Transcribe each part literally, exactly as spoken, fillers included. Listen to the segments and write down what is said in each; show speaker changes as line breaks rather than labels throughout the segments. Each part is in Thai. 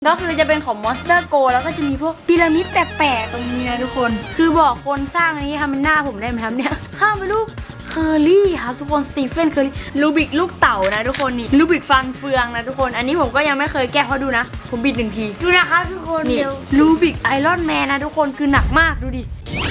ก็คือจะเป็นของ Monster Go แล้วก็จะมีพวกพีระมิดแปลกๆตรงนี้นะทุกคนคือบอกคนสร้างอันนี้ทำเป็นหน้าผมได้ไหมครับเนี่ยข้ามไปรูปเคอรี่ครับทุกคนสตีเฟนเคอรี่ลูบิกลูกเต่านะทุกคนนี่ลูบิกฟันเฟืองนะทุกคนอันนี้ผมก็ยังไม่เคยแก้เพราะดูนะผมบิดหนึ่งที
ดูนะครับทุกคน
นี่
เดี๋ยว
ลูบิกไอรอนแมนนะทุกคนคือหนักมากดูดิ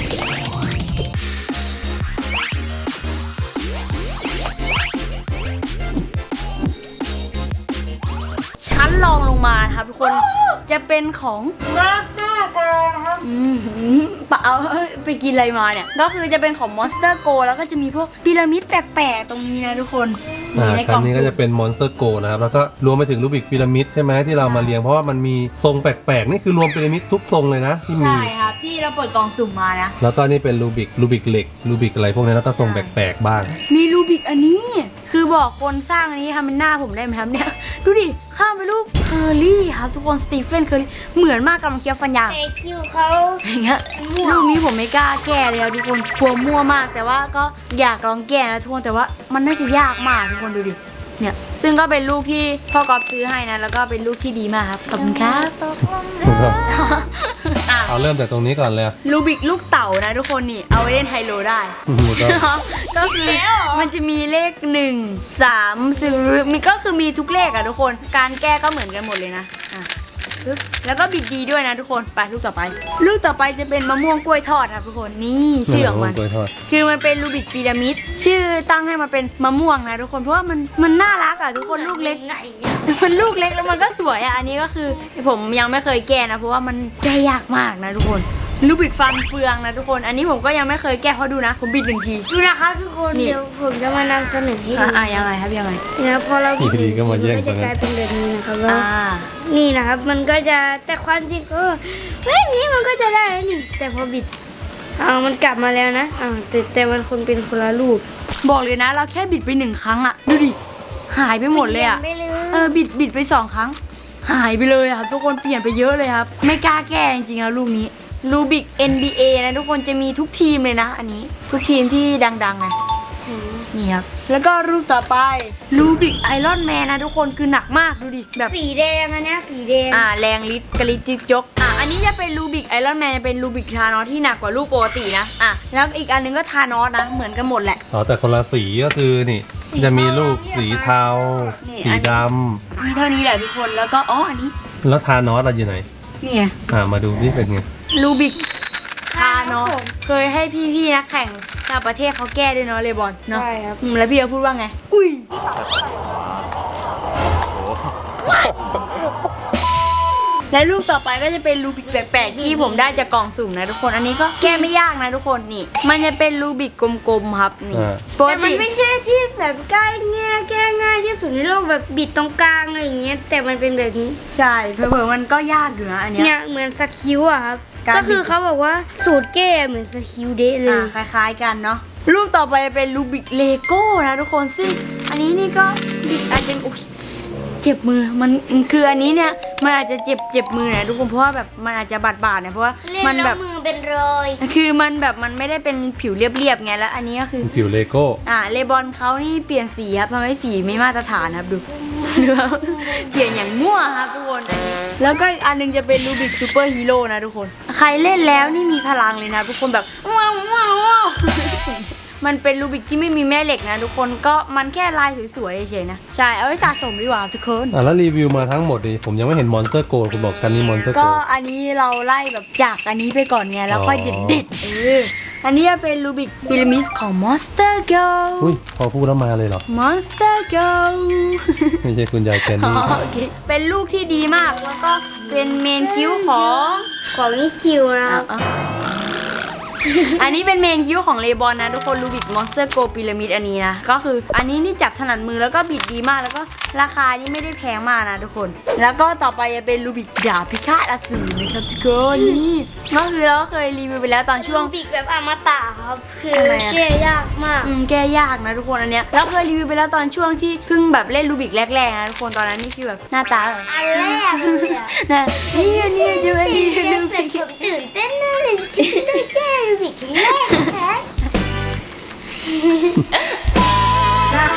ชั้นรองลงมาครับทุกคนจะเป็นของ
Monster Go นะครับ
อืมปะเอาไปกินอะไรมาเนี่ยก็คือจะเป็นของ Monster Go แล้วก็จะมีพวกพีระมิดแปลกๆตรงนี้นะทุกคน
อ่า
ในก
ชั้
ล่อน ง
นี้ก็จะเป็น Monster Go นะครับแล้วก็รวมไปถึงรูบิกพีระมิดใช่ไหมที่เรามาเรียงเพราะว่ามันมีทรงแปลกๆนี่คือรวมพีระมิดทุกทรงเลยนะที่มี
ใช่ครับที่เราเปิดกล่องสุ่มมานะ
แล้วก็นี่เป็นรูบิกรูบิกเหล็กรูบิกอะไรพวกนี้แล้วก็ทรงแปลกๆบ้าง
มีลูบิกอันนี้คือบอกคนสร้างอันนี้ทำเป็นหน้าผมได้ไหมครับเนี่ยดูดิข้ามไปรูปเคอรี่ครับทุกคนสตีเฟนเคอรี่เหมือนมากกำลังเคี้ยวฟันยาง
แต่คิวเขา
อย่างเงี้ยรูปนี้ผมไม่กล้าแก้เลยครับทุกคนกลัวมั่วมากแต่ว่าก็อยากลองแก้นะทุกคนแต่ว่ามันน่าจะยากมากทุกคนดูดิเนี่ยซึ่งก็เป็นลูกที่พ่อกอล์ฟซื้อให้นะแล้วก็เป็นลูกที่ดีมากครับขอบคุณครับอ่ะ
เอาเริ่มจากตรงนี้ก่อนเลย
ลูบิกลูกเต่านะทุกคนนี่เอาไว้เล่นไฮโลได้ ก็คือมันจะมีเลขหนึ่งสามสิบมีก็คือมีทุกเลขอะทุกคนการแก้ก็เหมือนกันหมดเลยนะอ่ะปึ๊บแล้วก็บิดดีด้วยนะทุกคนไปลูกต่อไป ลูกต่อไปจะเป็นมะม่วงกล้วยทอดครับทุกคนนี่ชื่อของมัน
กล้วยทอด
คือมันเป็นรูบิกพีระมิดชื่อตั้งให้มาเป็นมะม่วงนะทุกคนเพราะว่ามันมันน่ารักอะทุกคนลูกเล็ก
ไง
มันลูกเล็กแล้วมันก็สวยอะอันนี้ก็คือผมยังไม่เคยแก้นะเพราะว่ามันแก้ยากมากนะทุกคนลูบิกฟันเฟืองนะทุกคนอันนี้ผมก็ยังไม่เคยแก้เพราะดูนะผมบิดหนึ่งที
ดูนะครับทุกคน
นี่
เดี๋ยวผมจะมานำเสนอให้ดู
อ่ะอ่ะยังไงครับยังไง
นะพอเราบิด
ดีๆก็มาแย่ง
มันก็จะ
กัน
กลายเป็นแบบนี้นะครับว่า
อ่า
นี่นะครับมันก็จะแต่ความจริงก็เฮ้ยนี่มันก็จะได้แล้วนี่แต่พอบิดเอามันกลับมาแล้วนะอ่าแต่แต่มันคนเป็นคนละรูป
บอกเลยนะเราแค่บิดไปหนึ่งครั้งอะดูดิหายไปหมดเลยอะ
ปลี่นไปเลย
เออบิดบิดไปสองครั้ง หายไปเลยอะครับทุกคนเปลี่ยนไปเยอะเลยครับไม่กล้าแก้จริงๆแล้วลูกนี้ลูบิก เอ็น บี เอ นะทุกคนจะมีทุกทีมเลยนะอันนี้ทุกทีมที่ดังๆนะนี่ครับแล้วก็รูปต่อไปลูบิกไอรอนแมนนะทุกคนคือหนักมากดูดิแบบ
สีแดงอันเนี้ยสีแดง
อ่าแรงลิตกระลิตจิกจกอ่ะอันนี้จะเป็นลูบิกไอรอนแมนเป็นลูบิกทานอสที่หนักกว่าลูกปกตินะอ่ะแล้วอีกอันนึงก็ทานอสนะเหมือนกันหมดแหละ
อ๋อแต่คนละสีก็คือนี่จะมีรูปสีเทา
นี่
สีด
มีเท่านี้แหละทุกคนแล้วก็อ๋ออันนี้
ำแล้วทานอสอะอยู่ไหน
นี่ไง
อ่ามาดูที่เป็นไง
ลูบิกทานอสเคยให้พี่ๆนักแข่งต่างประเทศเขาแก้ด้วยเนาะเลบอนเนาะ
ใช่ครับ
อืมแล้วพี่เขาพูดว่าไงอุ้ยและลูกต่อไปก็จะเป็นลูบิกแปลกๆที่ผมได้จากกล่องสุ่มนะทุกคนอันนี้ก็แก้ไม่ยากนะทุกคนนี่มันจะเป็นลูบิกกลมๆครับนี่
อ่า
ปก
แต่มัน
ติ
ไม่ใช่ที่แบบใกล้แง่แก้ง่ายที่สุดในโลกแบบบิดตรงกลางอะไรอย่างเงี้ยแต่มันเป็นแบบนี้
ใช่เผลอๆมันก็ยากอยู่นะอันเนี้ย
เนี่ยเหมือนสคิวอะครับ
การบิด
ก็คือเขาบอกว่าสูตรแก้เหมือนสคิวเดะเลย
อ่าคล้ายๆกันเนาะลูกต่อไปจะเป็นลูบิกเลโก้นะทุกคนซึ่งอันนี้นี่ก็บิดอาจจะอุ๊ยเจ็บมือมันคืออันนี้เนี่ยมันอาจจะเจ็บเจ็บมือนะทุกคนเพราะว่าแบบมันอาจจะบาดบาดๆเนี่ยเพราะว่า
เล่น
มัน
แล้
แบ
ว
บ
มือเป็นรอย
คือมันแบบมันไม่ได้เป็นผิวเรียบๆไงแล้วอันนี้ก็คือ
ผิวเลโก้
อ่าเลบอนเขานี่เปลี่ยนสีครับทำให้สีไม่มาตรฐานครับดู ดูครับเปลี่ยนอย่างมั่วครับทุกคนอันนี้แล้วก็อีกอันนึงจะเป็นลูบิกซูเปอร์ฮีโร่นะทุกคน ใครเล่นแล้วนี่มีพลังเลยนะทุกคนแบบว้าวว้าวว้าว มันเป็นลูบิกที่ไม่มีแม่เหล็กนะทุกคนก็มันแค่ลายสวยๆเฉยๆนะใช่เอาไว้สะสมดีกว่าทุกคน
อ่าแล้วรีวิวมาทั้งหมดดิผมยังไม่เห็น Monster Go คุณบอกชั้นนี้ Monster
ก็
Go
อันนี้เราไล่แบบจากอันนี้ไปก่อนไงแล้วค่อย
อ๋อ
เด็ดๆเอออันนี้จะเป็นลูบิกพีระมิดของ Monster Go
อุ้ยพอพูดแล้วมาเลยเหรอ
Monster Go
ไม่ใช่คุณยายแคน
อ๋อ
นี่
โอเคเป็นลูกที่ดีมากแล้วก็เป็นเมนคิ้วของ
ของนี่คิวนะครับ
อ่ะอันนี้เป็นเมนคิ้วของเลบอนนะทุกคนลูบิกมอนสเตอร์โกพีระมิดอันนี้นะก็คืออันนี้นี่จับถนัดมือแล้วก็บิดดีมากแล้วก็ราคานี่ไม่ได้แพงมากนะทุกคน แล้วก็ต่อไปจะเป็นลูบิกดาบพิฆาตอสูรนะครับทุกคนนี่ก็คือเราก็เคยรีวิวไปแล้วตอนช่วง
บิกแบบอมตะครับ คือ
อะไรอะ
แก้ยากมาก
อืมแก้ยากนะทุกคนอันเนี้ยเราเคยรีวิวไปแล้วตอนช่วงที่เพิ่งแบบเล่นลูบิกแรกๆนะทุกคนตอนนั้นนี่คือแบบหน้าตาแบบ
อันแรกเลยอะ
นะนี่นี่จะไม่รีวิว
เต้
ลู
น
บิก
ผมตื่นเต้นมากเลยที่ได้แก้บิกครั้งแรกนะ
อันนี้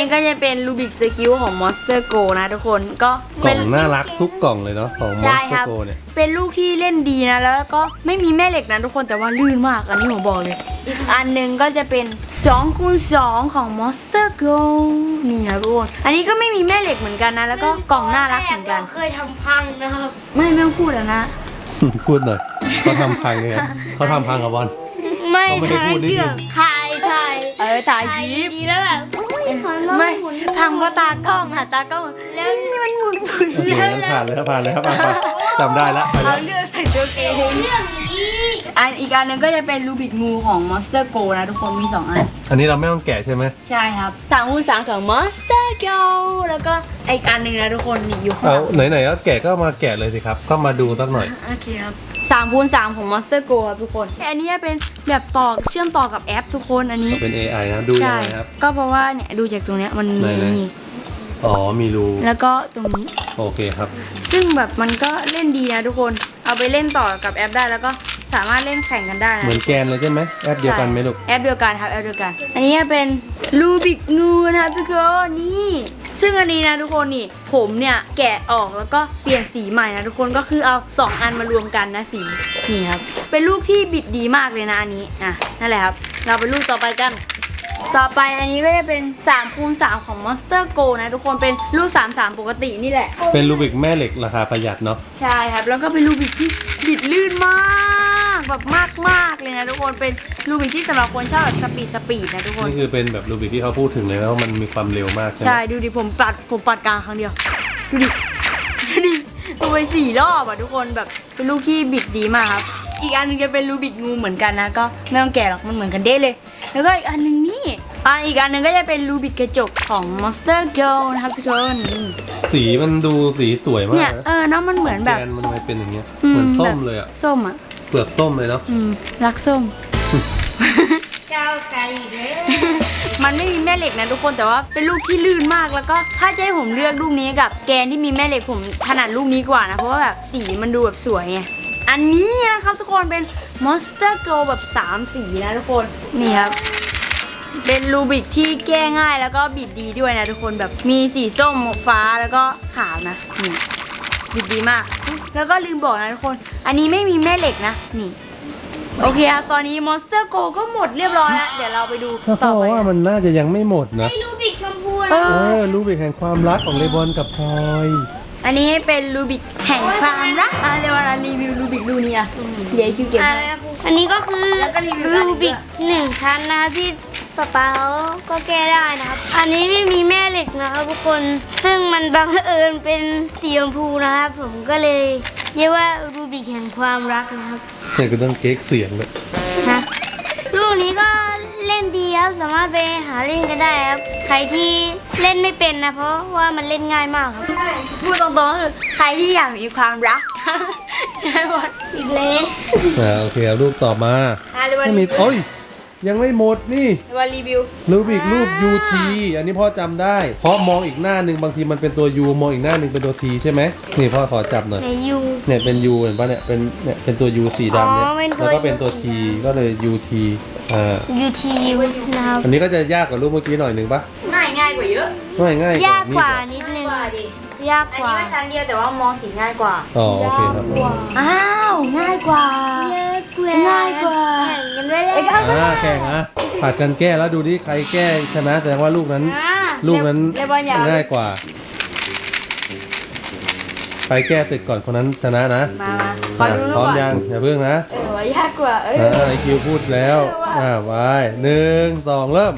ก็จะเป็นรูบิกสคิวของ Monster Go นะทุกคนก็
กล่
เป็
อน งน่ารักทุกกล่องเลยเนาะของมอ
ใช่
ส
ครับ
โกเนี่ย
เป็นลูกที่เล่นดีนะแล้วก็ไม่มีแม่เหล็กนะทุกคนแต่ว่าลื่นมากอันนี้ผมบอกเลย อีกอันหนึงก็จะเป็นสองคูณสองของ Monster Go นี่ครับทุกคนอันนี้ก็ไม่มีแม่เหล็กเหมือนกันนะแล้วก็กล่องน่ารักเหมือนกัน
เคยทำพังนะครับ
ไม่ไม่ต้องพูดแล้วนะ
พูดหน่อยเขาทำพังไงเขาทำพังกับบอล
ไม่
เขาไม่ได้
ใช่
พูดนิดนึง
เรื่องถ่ายถ่าย
เออถ่ายค
ถ่าย
ลิป
ดีแล้วแบบอุ๊ยขอลอง
ไม่
หมุน
พังเพราะตากล้องค่ะตากล้อง
แล้วนี่มันหมุนหมุน
โอเคงั้นผ่านเลยครับผ่านเลยครับผ่านไปจำได้แล้วไป
เอา
แล้ว
เลือกใส่ตัวเอง
เรื่องนี้
อันอีกอันหนึงก็จะเป็นรูบิกงูของ Monster Go นะทุกคนมีสองอัน
อันนี้เราไม่ต้องแกะใช่ไหม
ใช่ครับสามคูณสามของ Monster Go แล้วก็อีกอันหนึ่งนะทุกคนนี่อยู่ข้างห
เอา
ลัง
ไหนๆก็แกะก็มาแกะเลยสิครับก็มาดูสักหน่อย
โอเคครับสามคูณสามของ Monster Go ครับทุกคนอันนี้เป็นแบบต่อเชื่อมต่อกับแอปทุกคนอันนี้
เป็น เอ ไอ นะดูยัง
ใช่
ไงครับ
ก็เพราะว่าเนี่ยดูจากตรงเนี้ยมันมี
ไหนๆ
นี่
อ๋อมีรู
แล้วก็ตรงนี้
โอเคครับ
ซึ่งแบบมันก็เล่นดีนะทุกคนเอาไปเล่นต่อกับแอปได้แล้วก็สามารถเล่นแข่งกันได้นะ
เหมือนแกนเลยใช่ไหมแอปเดียวกันไหมลูก
แอปเดียวกันครับแอปเดียวกัน อันนี้เป็นรูบิกงูนะทุกคนนี่ ซึ่งอันนี้นะทุกคนนี่ผมเนี่ยแกะออกแล้วก็เปลี่ยนสีใหม่นะทุกคนก็คือเอาสองอันมารวมกันนะสีนี่ครับเป็นลูกที่บิดดีมากเลยนะอันนี้อ่ะนั่นแหละครับเราไปลูกต่อไปกัน ต่อไปอันนี้ก็จะเป็น3คูณสามของ Monster Go นะทุกคนเป็นลูกสาม สามปกตินี่แหละ
เป็นรูบิกแม่เหล็กราคาประหยัดเนาะ
ใช่ครับแล้วก็เป็นลูบิกที่บิดลื่นมากแบบมากมากๆเลยนะทุกคนเป็นลูบิกที่สำหรับคนชอบแบบสปีดสปีดนะทุกคน
นี่คือเป็นแบบรูบิกที่เขาพูดถึงเลยนะว่ามันมีความเร็วมากใช่ไหม
ใช่ดูดิผมปัดผมปัดกลางครั้งเดียวดูดิดูดิลงไปสี่รอบอ่ะทุกคนแบบเป็นลูกที่บิดดีมากครับอีกอันหนึงจะเป็นลูบิกงูเหมือนกันนะก็ไม่ต้องแกะหรอกมันเหมือนกันเด้เลย แล้วก็อีกอันหนึงนี่อ่ะอีกอันหนึงก็จะเป็นลูบิกกระจกของ Monster Girl นะครับทุกคนนี่
สีมันดูสีสวยมาก
เนี่ย
นะ
เออเนาะมันเหมือนแบบ
แกนมันทำไมเป็นอย่างเงี้ย
อื
เหมือนส้
แบ
ม
บ
เลยอ่ะ
ส้มอ่ะ
เปลือกส้มเลยเนาะ
อืมรักส้ม
เจ้าไก่เด้อ
มันไม่มีแม่เหล็กนะทุกคนแต่ว่าเป็นลูกที่ลื่นมากแล้วก็ถ้าจะให้ผมเลือกลูกนี้กับแกนที่มีแม่เหล็กผมถนัดลูกนี้กว่านะเพราะว่าแบบสีมันดูแบบสวยไงอันนี้นะครับทุกคนเป็น Monster Go แบบสามสีนะทุกคนนี่ครับเป็นรูบิกที่แก้ง่ายแล้วก็บิดดีด้วยนะทุกคนแบบมีสีส้มฟ้าแล้วก็ขาวนะนี่บิดดีมาก แล้วก็ลืมบอกนะทุกคนอันนี้ไม่มีแม่เหล็กนะนี่โอเคครับตอนนี้ Monster Go ก็หมดเรียบร้อยแล้วเดี๋ยวเราไปดู
ถ้า
ต่อ
เขา
ไป
ว่ามันน่าจะยังไม่หมดนะ
ไอ้รูบิกชมพู
เอ
นะ
เอ
อ
อรูบิกแห่งความรักของเลบอนกับพลอย
อันนี้เป็นรูบิกแห่งความรักอ่ะเดี๋ยวเรารีวิวรูบิกดูนี่อ่ะเดี๋ยวคิวเก็บ
อะ
ให้
ไรนะครูอันนี้ก็คือ
แล้วก็รีวิวด้านนี้
รูบิกหนึ่งชั้นนะคะที่ป๊าป๊าเขาก็แก้ได้นะครับ อันนี้ไม่มีแม่เหล็กนะครับทุกคน ซึ่งมันบังเอิญเป็นสีชมพูนะครับ ผมก็เลยเรียกว่ารูบิกแห่งความรักนะครับ
เนี่ยก็ต้องเก๊กเสียงเลย
ฮะลูกนี้ก็เล่นดีครับสามารถไปหาเล่นกันได้ครับใครที่เล่นไม่เป็นนะเพราะว่ามันเล่นง่ายมากครับ
พูดตรงๆก็คือใครที่อยากมีความรัก ใช่ไหม
อีกเลย
อ่าโอเคเอารูปต่อมา
อ่ะเดี๋ยววัน
ไม่มี
รีวิว
โอ้ยยังไม่หมดนี่
เดี๋ยววันรีวิว
รูปอีกรูป ยู ที อันนี้พ่อจำได้ เพราะมองอีกหน้าหนึ่งบางทีมันเป็นตัว U มองอีกหน้าหนึ่งเป็นตัว T ใช่ไหมนี่พ่อขอจับหน่อย
ในยู
เนี่ยเป็น U เห็นปะเนี่ยเป็นเนี่ยเป็นตัว U สีดำเนี่ย
อ๋อเป็นตัว
แล้วก็เป็นตัว
U
T ก็เลย ยู ที อ่า
ยูทีนะครับ
อันนี้ก็จะยากกว่ารูปเมื่อกี้หน่อยหนึ่งปะ
ง่ายง่ายกว่าเยอะ
ง่ายง่าย
ยากกว่า
นี่
นิดนึง
กว่าดิ
ยาก
อัน
กว่า
นี้ก็ชั้นเดียวแต่ว่ามองสีง่ายกว่า
อ๋อโอเคครับ
กว่า
อ้าวง่ายกว่า
ยากกว่า
ง่ายกว่า
แข่งกันด้วยเลย
อ่าแข่งอ่ะผัดกันแก้แล้วดูดิใครแก้ชนะแสดงว่าลูกนั้น
อ่า
ลูกนั้น
เลบอนอยาก
ง่ายกว่า ใครแก้เสร็จก่อนคนนั้นชนะนะ
มามาขอ
อ่ะ
ดูรูป
พร้อม
ก่อน
ยังอย่าเพิ่งนะ
เออว่ายากกว่าเออ
อ่าไอคิวพูดแล้ว
เออว่ะ
อ่าไปหนึ่งสองเริ่ม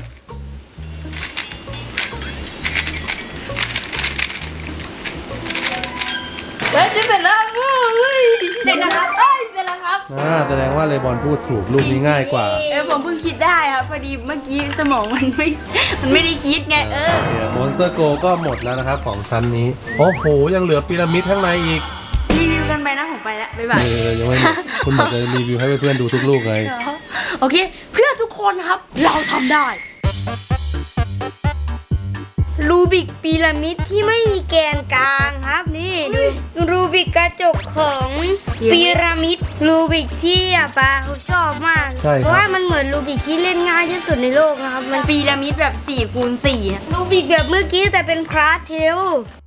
เฮ้ยจะเสร็จแล้วครับเฮ้ยเสร็จแล้วครับเอ้ยเสร็จแล้วครับ
อ่าแสดงว่าเลบอนพูดถูกลูกนี้ง่ายกว่า
เออผมเพิ่งคิดได้ครับพอดีเมื่อกี้สมองมันไม่ มันไม่ได้คิดไงเออ
มอนสเตอร์โกก็หมดแล้วนะครับของชั้นนี้ โอ้โห ยังเหลือพีระมิดข้างในอีก
รีวิวกันไปนะผมไปแล้วบ๊ายบาย
เออยังไม่หมดคุณบอกจะรีวิวให้เพื่อนๆดูทุกลูกไง
โอเค เพื่อทุกคนครับ เราทำได้รูบิกพีระมิด
ที่ไม่มีแกนกลางครับนี่ดูรูบิกกระจกของพีระมิดรูบิกที่อ่ะป้าเขาชอบมาก
ใช่ครับ
เพราะว่ามันเหมือนรูบิกที่เล่นง่ายที่สุดในโลกนะครับมัน
พีระมิดแบบสี่คูณสี่
รูบิกแบบเมื่อกี้แต่เป็นคลาสเทล